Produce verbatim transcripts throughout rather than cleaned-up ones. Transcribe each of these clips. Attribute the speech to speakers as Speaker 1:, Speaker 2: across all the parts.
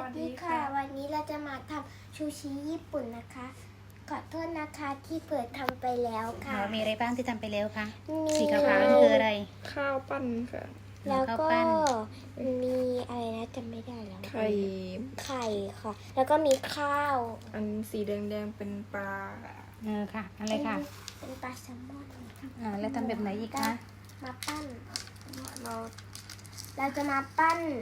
Speaker 1: วัสดี
Speaker 2: นี่
Speaker 1: ค่ะ
Speaker 2: ค่ะวันนี้เราจะมาทำชูชิญี่ปุ่นนะคะขอโทษนะคะที่เปิดทำไปแล้วค่ะ
Speaker 3: เรามีอะไรบ้างที่ทำไปแล้วคะ
Speaker 2: มี
Speaker 3: สีขาวๆนี่คืออะไร
Speaker 1: ข้าวปั้นค่ะ
Speaker 2: แล้ว
Speaker 3: ข้าว
Speaker 2: ก็
Speaker 3: ปั้น
Speaker 2: มีอะไรนะจำไม่ได้แล้ว
Speaker 1: ไข่
Speaker 2: ไข่ค่ะ แล้วก็มีข้าว
Speaker 1: อันสีแดงๆเป็นปลา
Speaker 3: เออค่ะอะไรค่ะ
Speaker 2: เป็นปลาแซลมอนค่ะ
Speaker 3: อ่าแล้วทำแบบไหนอีกคะ
Speaker 2: มาปั้น
Speaker 1: เรา
Speaker 2: เราจะมาปั้น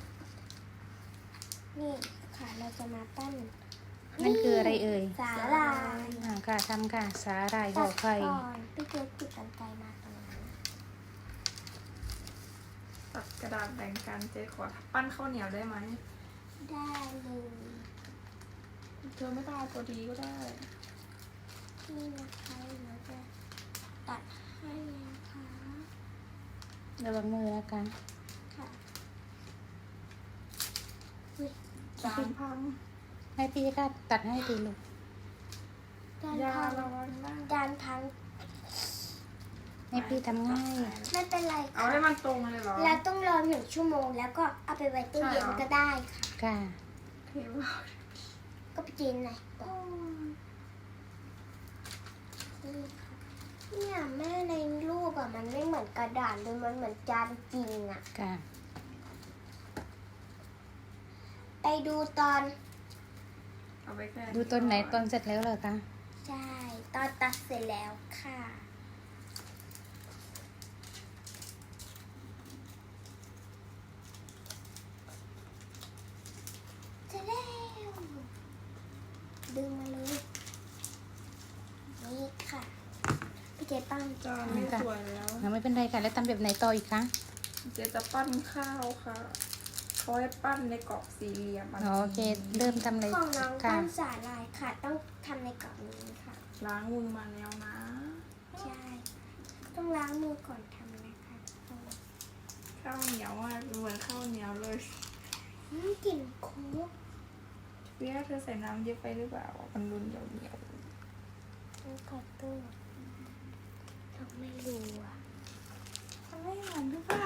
Speaker 2: นี่ค่ะเราจะมาปั้น
Speaker 3: นั่นคืออะไรเอ่ย
Speaker 2: สาหร่าย
Speaker 3: อ่าค่ะทำค่ะสาหร่ายห่
Speaker 2: ตั
Speaker 3: อ
Speaker 2: ด
Speaker 3: ไข่
Speaker 2: ก่อนพี่เจ๊ติดกันไกลมาตรงนั้น
Speaker 1: ตัดกระดาษแบ่งกันเจ๊ขอปั้นข้าวเหนียวได้ไหม
Speaker 2: ได้เลย
Speaker 1: เธอไม่ต้องเอาตัวดีก็ได้
Speaker 2: นี่นะคะเราจะตัดให้นะคะ
Speaker 3: ระวังมือนะคะ
Speaker 2: ค่ะอุ๊ย
Speaker 1: จานพัง
Speaker 3: ให้พี่ก็ตัดให้ดีลูก
Speaker 2: จาน
Speaker 1: ยา
Speaker 2: พัง
Speaker 1: ระวังนะ
Speaker 2: จานพัง
Speaker 3: ให้พี่ทำง่าย
Speaker 2: ไม่เป็นไร
Speaker 1: เอา
Speaker 2: ค่ะ
Speaker 1: ให้มันตรงเลยเหรอ
Speaker 2: แล้วต้องรอหนึ่งชั่วโมงแล้วก็เอาไปไว้ตู้เย็น
Speaker 1: ใช่เหรอ
Speaker 2: ก็ได้ค่ะ
Speaker 3: ค่ะ
Speaker 1: เห็นว่า
Speaker 2: ก็ไปกินหน่อยก่อนนี่ค่ะเนี่ยแม่ในรูปอะมันไม่เหมือนกระดาษเลยมันเหมือนจานจริงอะ
Speaker 3: ค่ะ
Speaker 2: ไปดูตอน
Speaker 1: เอาไปแค่
Speaker 3: ดูต้นไหนตอนเสร็จแล้วเหรอคะ
Speaker 2: ใช่ ตอนตัดเสร็จแล้วค่ะ เสร็จแล้ว ดึงมาเลย นี่ค่ะ พี่เจ๊ปั้ง
Speaker 1: จานไม่สวยแล้ว
Speaker 3: อ่าไม่เป็นไรค่ะแล้วทำแบบไหนต่ออีกคะ
Speaker 1: เจ๊จะปั้นข้าวค่ะเขาให้ปั้นในกรอบสี่เหลี่ยมน
Speaker 3: อ๋อโอเคเริ่มทำเลย
Speaker 2: ของน้อง
Speaker 3: ค่ะ
Speaker 2: ปั้นสาลายค่ะ ต้องทำในกล่องนี้ค่ะ
Speaker 1: ล้างมือมาแล้วนะ
Speaker 2: ใช่ ต้องล้างมือก่อนทำนะคะ
Speaker 1: ข้าวเหนียวอ่ะเหมือนข้าวเหนียวเลย
Speaker 2: อืมกลิ่นโค้ก
Speaker 1: เวียเธอใส่น้ำเยอะไปหรือเปล่ามันรุนเหนียวเหนียว
Speaker 2: มันกดตู้เราไม่รู้อ่ะ
Speaker 1: มันไม่เหมือนหรือเปล่า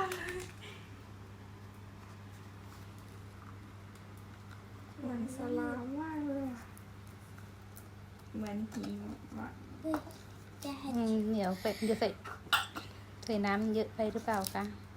Speaker 1: เหมือนสลามมากเลยอะเหมือนหิมะ
Speaker 2: เฮ้ยจะให้
Speaker 3: อืมเหนียวเป็ดจะใส่ใส่น้ำเยอะไปหรือเปล่าคะ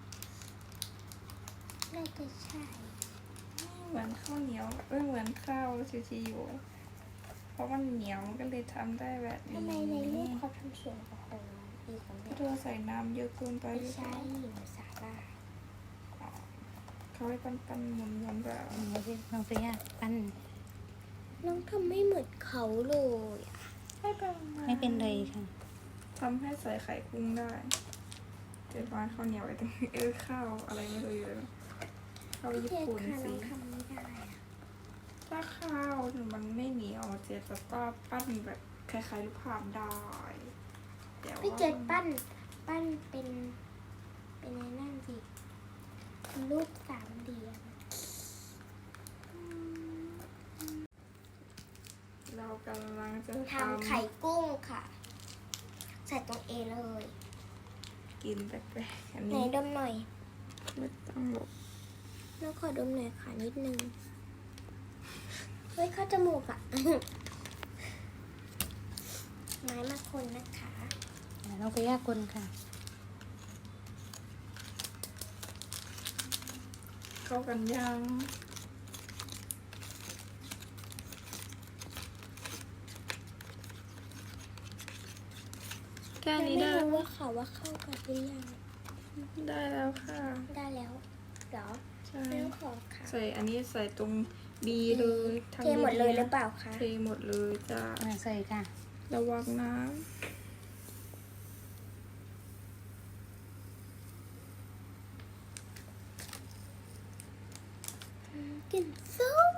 Speaker 2: น่าจะใช่
Speaker 1: เหมือนข้าวเหนียวเอ้ยเหมือนข้าวชิชิอยู่เพราะมันเหนียวมันก็เลยทำได้แบบนี้
Speaker 2: ทำไมในรูปเขาทำสวยกว่าของเราอีกของ
Speaker 1: เพ
Speaker 2: เด็
Speaker 1: ราะ
Speaker 2: ก
Speaker 1: เธอใส่น้ำเยอะเกินไปห
Speaker 2: ไม่
Speaker 1: รือเป
Speaker 2: ใช่
Speaker 1: ล่า
Speaker 2: หญิงสาลาย
Speaker 1: เขาให้ปั้นปั้นๆหมุนหมุนๆแบบ
Speaker 3: อืมโอเคน้องเฟียปั้น
Speaker 2: น้องทำไม่เหมือนเขาเลยอะ
Speaker 1: ไม่เป็นไร
Speaker 3: ไม่เป็นไรค่ะ
Speaker 1: ทำให้ใส่ไข่กุ้งได้เจ็ดวันข้าวเหนียวไอ้ตรงนี้เออข้าวอะไรไม่รู้อยู่เลยข้าว
Speaker 2: พี่
Speaker 1: ญี่
Speaker 2: เจ๊
Speaker 1: ปุ่น
Speaker 2: ค่ะน้
Speaker 1: สิ
Speaker 2: องทำไม่ได้อะ
Speaker 1: ถ้าข้าวมันไม่เหนียวเจ๊จะก็ปั้นแบบคล้ายๆรูปภาพได้แต่ว่า
Speaker 2: พี่เจ๊ปั้น ปั้นเป็น เป็นในนั่นสิรูปสามเหลี่ยม
Speaker 1: เรากำลังจะท
Speaker 2: ทำไข่กุ้งค่ะ ใส่ตรงเอเลย
Speaker 1: ำกินแปลกๆอัน
Speaker 2: ไหน
Speaker 1: นี้
Speaker 2: ดมหน่อย
Speaker 1: ไม่ต้องหลบ
Speaker 2: น้องขอดมหน่อยค่ะนิดนึง เฮ้ยเข้าจมูกอะ ไม้มาคนนะคะ
Speaker 3: อ่าน้องเฟียคนค่ะ
Speaker 1: เข้ากันยังแค่
Speaker 2: ยัง
Speaker 1: นี้
Speaker 2: ไม่
Speaker 1: ได้
Speaker 2: รู้ว่าเขาว่าเข้ากันหรือยัง
Speaker 1: ได้แล้วค่ะ
Speaker 2: ได้แล้วเหรอ
Speaker 1: ใช่
Speaker 2: ไม่ต้องขอค่ะ
Speaker 1: ใส่อันนี้ใส่ตรงบีเลยทำ
Speaker 2: เทหมดเลย
Speaker 1: ๆนะ
Speaker 2: หรือเปล่าคะ
Speaker 1: เทหมดเลยจ้า
Speaker 3: อ่าใส่ค่ะ
Speaker 1: ระวังน้
Speaker 2: กลิ่นส้ม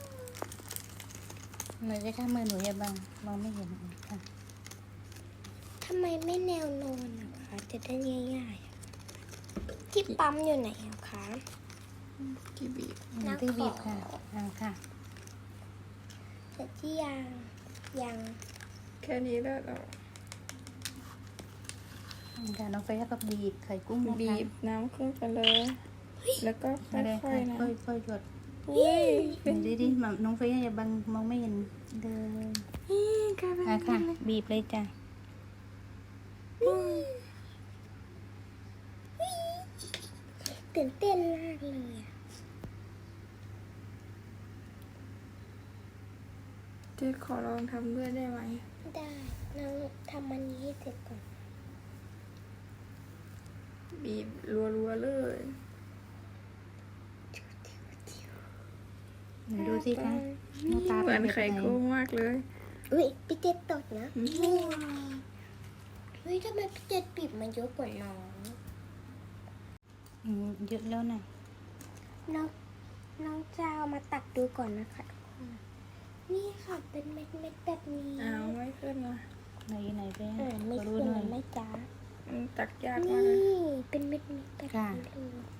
Speaker 3: หนูจะข้ามมือหนูอย่าบังมองไม่เห็นค่ะ
Speaker 2: ทำไมไม่แนวนอนนะคะ จะได้ง่ายๆอะที่ปั๊มอยู่ไหนอะคะ
Speaker 1: ำกี่บีบ
Speaker 3: อืมที่บีบค่ะอ่าค่ะ
Speaker 2: แต่ที่ยังยัง
Speaker 1: แค่นี้ได้แล้ว
Speaker 3: อืมค่ะน้องเฟียก็บีบไข่กุ้งนะคะ
Speaker 1: บีบน้ำขึ้นไปเลย แล้วก็ค่
Speaker 3: ไม่ได้
Speaker 1: อ
Speaker 3: ค่ะ
Speaker 1: ยๆนะ
Speaker 3: ค่อยๆหยด
Speaker 1: อุ้ย
Speaker 3: เดี๋ยวดิดิมาน้องเฟย์อย่าบังมองไม่เห็นเลย
Speaker 1: นี่กลายเป็น
Speaker 3: อ่ะค่ะ บีบเลยจ้ะ
Speaker 2: ตื่นเต้นมากเลยอะ
Speaker 1: เจ๊ขอลองทำด้วยได้ไหม
Speaker 2: ได้เราทำมันนี้ให้เสร็จก่อน
Speaker 1: บีบรัวๆเลย
Speaker 3: ไหนดูสิคะหน้าตา
Speaker 1: เห
Speaker 3: เป็
Speaker 1: มือน น
Speaker 3: แบบ
Speaker 1: ไข่
Speaker 3: ไหน
Speaker 1: กุ้งมากเลย
Speaker 2: อุ้ยพี่เจ็ดตดนะ
Speaker 1: อืม
Speaker 2: นี่เฮ้ยทำไมพี่เจ็ดบีบมันเยอะกว่าน้อง
Speaker 3: อืมเยอะแล้วนะ
Speaker 2: น้องน้องจะเอามาตักดูก่อนนะคะทุกคนนี่ค่ะเป็นเม็ดเม็ดๆแบบนี้
Speaker 1: อ้าวไม่ขึ้นละ
Speaker 3: ไหนไหนไป
Speaker 2: เออไม่
Speaker 3: ขอดู
Speaker 2: ขึ้น
Speaker 3: หน่อย
Speaker 2: ไม่จ้า
Speaker 1: มันตักยาก
Speaker 2: นี่
Speaker 1: มากเลย
Speaker 2: เป็นเม็ดเม็ดๆแบบ
Speaker 3: ค่ะ
Speaker 2: นี้เลย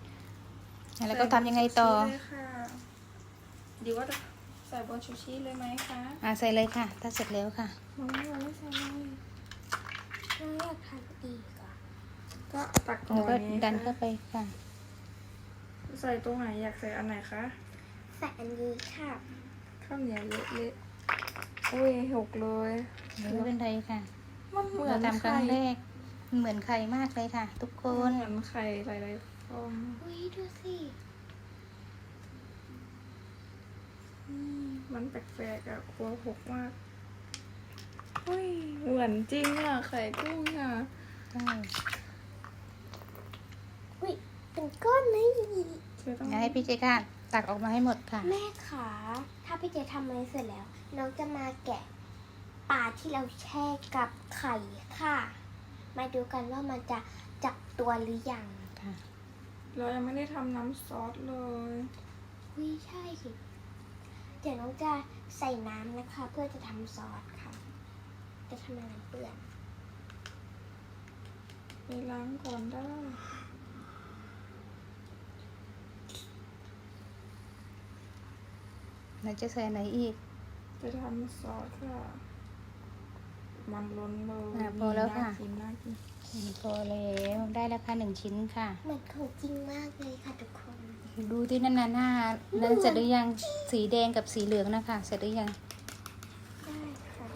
Speaker 3: แล้วก็ทำยังไงต่อ
Speaker 1: ใส่บนชูชีเลยค่ะดีว่าจะใส่บนชูชีเลยไหมคะ
Speaker 3: อ่ะใส่เลยค่ะ ถ้าเสร็จแล้วค่ะ
Speaker 1: น้องไม่ยังไม่ใส่เลย
Speaker 2: น้องอยากทำอีกอ่ะ
Speaker 1: ก็ตักก่อ
Speaker 3: แล้วก็
Speaker 1: นไง
Speaker 3: ดัน
Speaker 1: คะ
Speaker 3: เข้าไปค่ะ
Speaker 1: ใส่ตรงไหนอยากใส่อันไหนคะ
Speaker 2: ใส่อันนี้ค่ะ
Speaker 1: ข้าวเหนียวเละๆอุ้ยหกเลย
Speaker 3: ไม่เป็นไรค่ะ
Speaker 1: มันเหมือ
Speaker 3: เรา
Speaker 1: น
Speaker 3: ทำครั้งแรก เหมือนไข่มากเลยค่ะ ทุกค
Speaker 1: มัน
Speaker 3: น
Speaker 1: เหมือนไข่หลายๆฟอง
Speaker 2: อุ้ยดูสิ
Speaker 1: อืมมันแปลกๆอะกลัวหกมากอุ้ยเหมือนจริงอะไข่กุ้งอะ
Speaker 3: ใช่
Speaker 2: อุ้ยเป็นก้อนเลย
Speaker 1: เธอต้อง
Speaker 3: อยากให้พี่เจค่ะ ตักออกมาให้หมดค่ะ
Speaker 2: แม่ขาถ้าพี่เจทำอะไรเสร็จแล้ว น้องจะมาแกะปลาที่เราแช่กับไข่ค่ะ มาดูกันว่ามันจะจับตัวหรือยัง
Speaker 3: ค่ะ
Speaker 1: เรายังไม่ได้ทำน้ำซอสเลย
Speaker 2: อุ้ยใช่สิเดี๋ยวน้องจะใส่น้ำนะคะ เพื่อจะทำซอสค่ะ จะทำอะไรเปื้อน
Speaker 1: ไปล้างก่อนได้
Speaker 3: เราจะใส่ไหนอีก
Speaker 1: จะทำซอสค่ะ มันล้นเลย
Speaker 3: อ่ะพอแล้วค่ะ
Speaker 1: น่ากินน่ากิน
Speaker 3: อืมพอแล้วได้แล้วค่ะหนึ่งชิ้นค่ะ
Speaker 2: เหมือนของจริงมากเลยค่ะทุกคน
Speaker 3: ดูที่นั่นน่ะหน้านั้นเสร็จหรือยัง สีแดงกับสีเหลืองนะคะ เสร็จหรือยัง
Speaker 2: ได้ค่ะ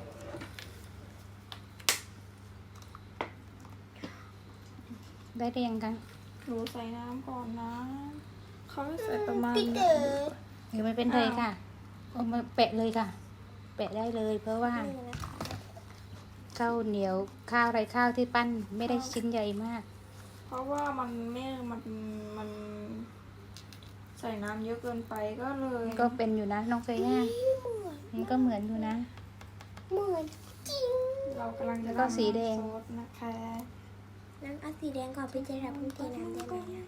Speaker 3: ได้หรือยังคะ
Speaker 1: หนูใส่น้ำก่อนนะ เขาให้ใส่ประมาณ
Speaker 2: พี่เต๋อ
Speaker 3: หรือไม่เป็นไรค่ะเอามาแปะเลยค่ะ แปะได้เลย เพราะว่า
Speaker 2: นี่นะคะ
Speaker 3: ข้าวเหนียวข้าวไรข้าวที่ปั้นไม่ได้ชิ้นใหญ่มาก
Speaker 1: เพราะว่ามันไม่มันมันใส่น้ำเยอะเกินไปก็เลย
Speaker 3: ก็เป็นอยู่นะน้องเฟย่า
Speaker 2: เหมือน
Speaker 3: มันก็เหมือนอยู่นะ
Speaker 2: เหมือนจริง
Speaker 1: เรากำลังจะ
Speaker 3: แล้วก็สีแดง
Speaker 1: ทำน้ำซอสนะคะ
Speaker 2: น้ำเอาสีแดงก่อนพี่เจทำพี่เทน้ำได้ไหมอะ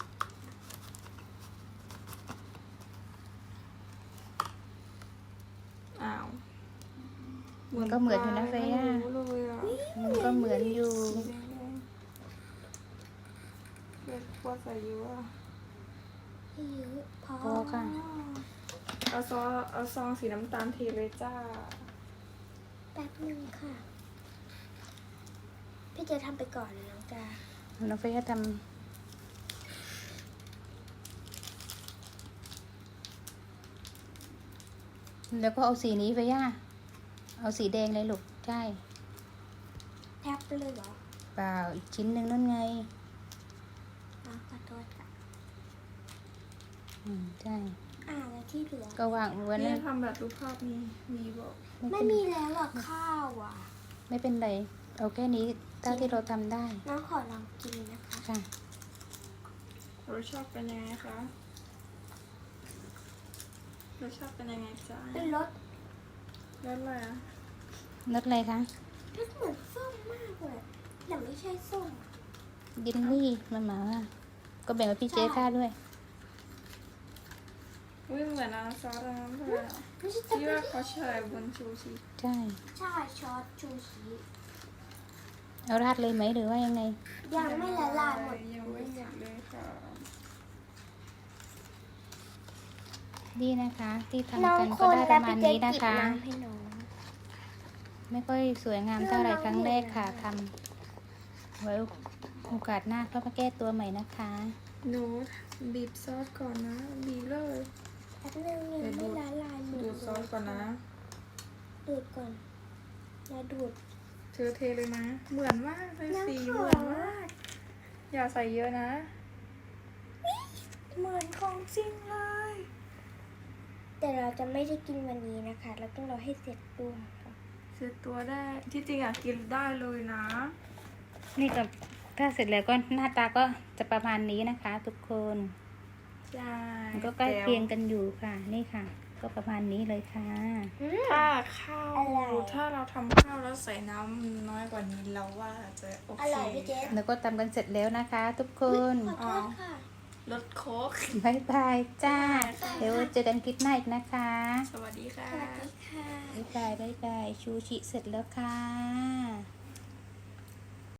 Speaker 1: อ้าว
Speaker 3: มันก็เหมือนอยู่นะเฟย่า
Speaker 1: ไม่รู้เลยอะ
Speaker 3: มันก็เหมือนอยู่
Speaker 1: สีแดงๆเลือดพวกใส่เยอะอะ
Speaker 2: ไม่เยอะพอ
Speaker 3: พอค่ะ
Speaker 1: เอาซองเอาซองสีน้ำตาลเทเลยจ้า
Speaker 2: แป๊บหนึงค่ะ พี่เจทำไปก่อนนะน้องจ้า
Speaker 3: น้องเฟย่าทำแล้วก็เอาสีนี้เฟย่าเอาสีแดงเลยลูกใช่
Speaker 2: แทบเลยเหรอ
Speaker 3: เปล่าอีกชิ้นหนึ่งนั่นไง
Speaker 2: อ๋อขอโทษค่ะ
Speaker 3: อืมใช่
Speaker 2: อ่าแล้วที่เหลือ
Speaker 3: ก็วางไว้
Speaker 1: เนี่
Speaker 3: นะ
Speaker 1: ยทำแบบรูปภาพมีมีบอก
Speaker 2: ไม่
Speaker 3: เป็น
Speaker 2: มีแล้วหรอกข้าวอ่ะ
Speaker 3: ไม่เป็นไรเอาแค่นี้เท่าที่เราทำได้
Speaker 2: น้องขอลองกินนะคะ
Speaker 3: ค่ะ
Speaker 1: รสชาติเป็นยังไงคะรสชาติเป็นยังไงจ้า
Speaker 2: เป็นรส
Speaker 1: รสอะไรอะ
Speaker 3: รสอะไรคะ
Speaker 2: รสเหมือนส้มมากเลยแต่ไม่ใช่ส้มอะ
Speaker 3: ยินลี่มันหมาว่าก็แบ่งให้พี่เจ๊ค่าด้วย
Speaker 1: อุ้ยเหมือนน้ำซอสอันนั้นเลยอะ
Speaker 2: ไม่ใช่
Speaker 1: ที่
Speaker 2: จะ
Speaker 1: ว่าเขาใช้บนชูชี
Speaker 3: ใช่
Speaker 2: ใช่ซอสชูชี
Speaker 3: เอาราดเลยไหมหรือว่ายังไง
Speaker 2: ยังไม่ละลายหมด
Speaker 1: ยังไม่หมดเลยค่ะ
Speaker 3: นี่นะคะ ที่
Speaker 2: น้อ
Speaker 3: ทำ
Speaker 2: ง
Speaker 3: กัน
Speaker 2: ค
Speaker 3: ก็
Speaker 2: น
Speaker 3: ได้ป
Speaker 2: แล้ว
Speaker 3: ระมา
Speaker 2: พี่
Speaker 3: ณ
Speaker 2: เจ
Speaker 3: นี้
Speaker 2: กิ
Speaker 3: นะ
Speaker 2: บ
Speaker 3: คะ
Speaker 2: น้ำให้น้อง
Speaker 3: ไม่ค่อยสวยงามเท่าไหร่ครั้งแรกค่ะทำไว้โอกาสหน้าก็มาแก้ตัวใหม่นะคะ
Speaker 1: หนูบีบซอสก่อนนะ บีบเลย
Speaker 2: แป๊บนึงยังไม่ละลายหม
Speaker 1: ดูดซอสก่อนนะ
Speaker 2: ดูดก่อนอย่าดูด
Speaker 1: เธอเทเลยนะ เหมือนมากเลย
Speaker 2: น้ำ
Speaker 1: สี
Speaker 2: ขอ
Speaker 1: เหมือนมาก อย่าใส่เยอะนะ เหมือนของจริงเลย
Speaker 2: แต่เราจะไม่ได้กินวันนี้นะคะ เราต้องรอให้เสร็จตัวค่ะ
Speaker 1: เสร็จตัวได้ ที่จริงอยากกินได้เลยนะ
Speaker 3: นี่ก็ถ้าเสร็จแล้วก็หน้าตาก็จะประมาณนี้นะคะ ทุกคน
Speaker 1: ใช่
Speaker 3: มันก็ใกล้เคียงกันอยู่ค่ะ นี่ค่ะ ก็ประมาณนี้เลยค่ะ
Speaker 1: ถ้าข้าว
Speaker 2: อร่อย
Speaker 1: ถ้าเราทำข้าวแล้วใส่น้ำน้อยกว่านี้เราว่าจะโอ
Speaker 2: อ
Speaker 1: เค
Speaker 2: ร่อยพี่เจ
Speaker 3: แล้วก็ทำกันเสร็จแล้วนะคะ ทุกคน
Speaker 2: ขอโทษค่ะ
Speaker 1: รสโค้ก
Speaker 3: บายบายจ้า
Speaker 1: บ๊ายบายค่ะ
Speaker 3: เดี๋ยวเจอกันคลิปหน้าอีกนะคะ
Speaker 1: สวัสดีค่ะ
Speaker 2: สวัสดีค่ะ
Speaker 3: บายบายบายบายชูชิเสร็จแล้วค่ะ